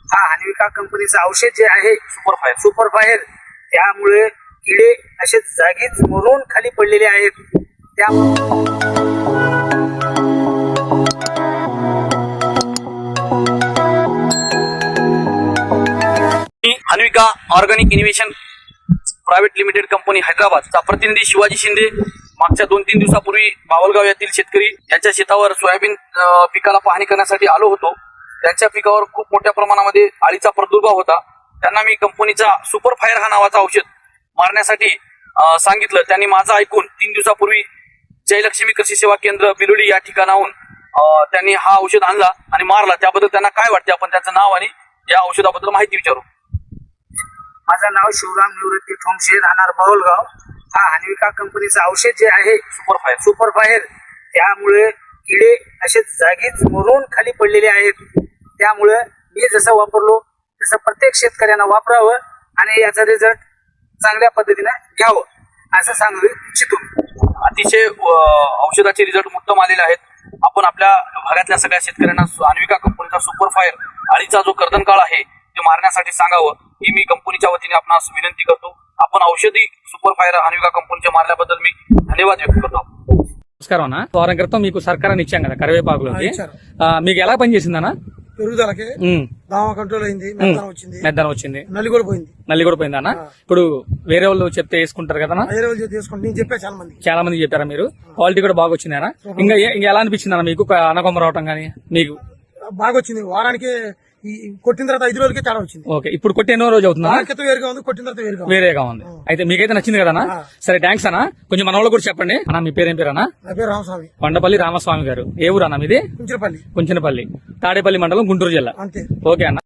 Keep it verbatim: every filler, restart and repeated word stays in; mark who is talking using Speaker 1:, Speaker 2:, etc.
Speaker 1: हा हनविका कंपनीचं औषध जे आहे सुपर फायर सुपर फायर त्यामुळे किडे असे जागीच मरून खाली पडलेले आहेत. त्या
Speaker 2: Hanvika organic innovation private limited company हैदराबादचा प्रतिनिधी शिवाजी शिंदे मागच्या दोन तीन दिवसापूर्वी बावलगाव येथील शेतकरी यांच्या शेतावर सोयाबीन पिकाला पाहणी करण्यासाठी आलो होतो. त्यांच्या पिकावर खूप मोठ्या प्रमाणामध्ये अळीचा प्रादुर्भाव होता. त्यांना मी कंपनीचा सुपर फायर हा नावाचा औषध मारण्यासाठी सांगितलं. त्यांनी माझं ऐकून तीन दिवसापूर्वी जयलक्ष्मी कृषी सेवा केंद्र बिलोडी या ठिकाणाहून त्यांनी हा औषध आणला आणि मारला. त्याबद्दल त्यांना काय वाटते आपण त्यांचं नाव आणि या औषधाबद्दल माहिती विचारू.
Speaker 1: माझं नाव शिवराम निवृत्ती ठोंगशे, राहणार बावलगाव. हा हनविका कंपनीचं औषध जे आहे
Speaker 2: सुपर फायर
Speaker 1: सुपर फायर त्यामुळे किडे असे जागीच मरून खाली पडलेले आहेत. त्यामुळे मी जसं वापरलो तसं प्रत्येक शेतकऱ्यांना वापरावं आणि याचा रिझल्ट चांगल्या पद्धतीने घ्यावं असं सांगू इच्छितो.
Speaker 2: अतिशय औषधाचे रिझल्ट उत्तम आलेले आहेत. आपण आपल्या भागातल्या सगळ्या शेतकऱ्यांना हनविका कंपनीचा सुपर फायर अळीचा जो कर्दनकाळ आहे ते मारण्यासाठी सांगावं ही मी कंपनीच्या वतीने आपणास विनंती करतो. आपण औषधी सुपर फायर हनविका కంపెనీ మాట్లాడబద్దల్ మీ ధన్యవాదాలు వ్యక్తం చేస్తాం.
Speaker 3: నమస్కారం అన్న. వారం క్రితం మీకు సర్కారాన్ని ఇచ్చాం కదా కరివేపాకులోకి, మీకు ఎలా పనిచేసిందన్న?
Speaker 4: పెరుగుదలకి దామ కంట్రోల్ అయింది, మెద్దనం వచ్చింది,
Speaker 3: మెద్దనం వచ్చింది,
Speaker 4: నల్లి కూడా పోయింది.
Speaker 3: నల్లి కూడా పోయింది అన్న. ఇప్పుడు వేరే వాళ్ళు చెప్తే వేసుకుంటారు కదా?
Speaker 4: వేరే వాళ్ళు తీసుకుంటే నేను చెప్పా చాలా మంది
Speaker 3: చాలా మంది చెప్పారా మీరు? క్వాలిటీ కూడా బాగా వచ్చింది అన్న. ఇంకా ఇంకా ఎలా అనిపించింది అన్న మీకు అనకొమ్మ రావటం కానీ? మీకు
Speaker 4: బాగా వచ్చింది. వారానికి కొట్టిన తర్వాత ఐదు రోజులకే తేడా వచ్చింది.
Speaker 3: ఓకే, ఇప్పుడు కొట్టి ఎన్నో రోజు అవుతుందా?
Speaker 4: క్రితం వేరుగా ఉంది, కొట్టిన తర్వాత వేరుగా
Speaker 3: వేరేగా ఉంది. అయితే మీకైతే నచ్చింది కదా? సరే, థ్యాంక్స్ అన్న. కొంచెం మన వాళ్ళు కూడా చెప్పండి అన్న. మీ పేరేం పేరు అన్న?
Speaker 4: నా పేరు రామస్వామి,
Speaker 3: కొండపల్లి రామస్వామి గారు. ఏ ఊరు అన్న మీది?
Speaker 4: కుంచినపల్లి.
Speaker 3: కుంచినపల్లి, తాడేపల్లి మండలం, గుంటూరు జిల్లా.
Speaker 4: అంతే.
Speaker 3: ఓకే అన్న.